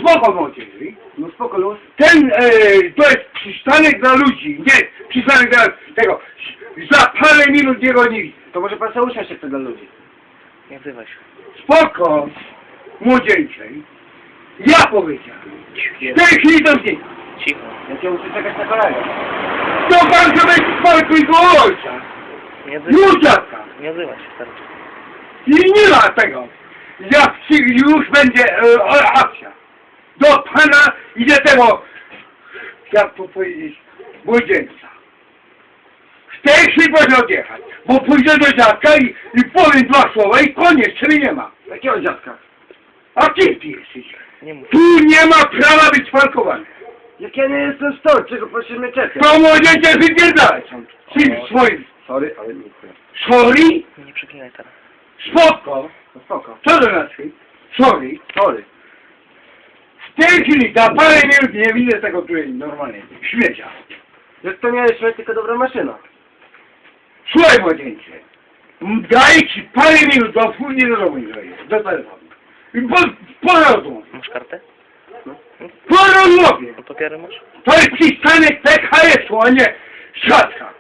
spoko młodzieży. No spoko, luz. Ten, to jest przystanek dla ludzi, nie przystanek dla tego. Za parę minut jego nie widzę. To może pan sobie usiąść jeszcze dla ludzi. Nie odzywaj się. Spoko, młodzieńczej. Ja powiedziałem. W tej chwili to znika. Cicho. Ja cię muszę czekać na kolegę. To pan sobie spokój go ojca. Nie odzywaj się. Józefka. Nie odzywaj się, starczy. I nie ma tego. Już będzie akcja. Do pana idzie tego, jak to powiedzieć, młodzieńca. W tej chwili może odjechać, bo pójdę do dziadka i powiem dwa słowa i koniec, czyli nie ma. Jakiego dziadka? A kim ty jesteś? Nie mów. Tu nie ma prawa być parkowany. Jak ja nie jestem stąd, czego proszę mnie czekać? To młodzieńcze wypierdalać są. Czym swoim. Sorry, ale nie chcę. Sorry? Nie przeklinaj teraz. Spoko. No spoko. Co to znaczy? Sorry. Sorry. W tej chwili, za parę minut nie widzę tego tutaj normalnie. Śmiecia. Jak to nie jest śmieć, tylko dobra maszyna. Słuchaj młodzieńcze. Daję ci parę minut, bo później do domu nie dojdziesz. Do telefonu. I po rozmowie. Masz kartę? Po rozmowie. No papiery masz? To jest przystanek PKS-u, a nie siatka.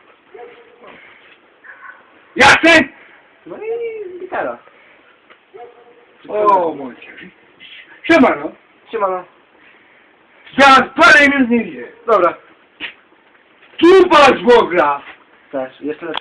Jasne? No i gitara. O, młodzież. Siemano. Siemano. Za parę minut nie widzę. Dobra. Tu masz Boga. Też, jeszcze raz.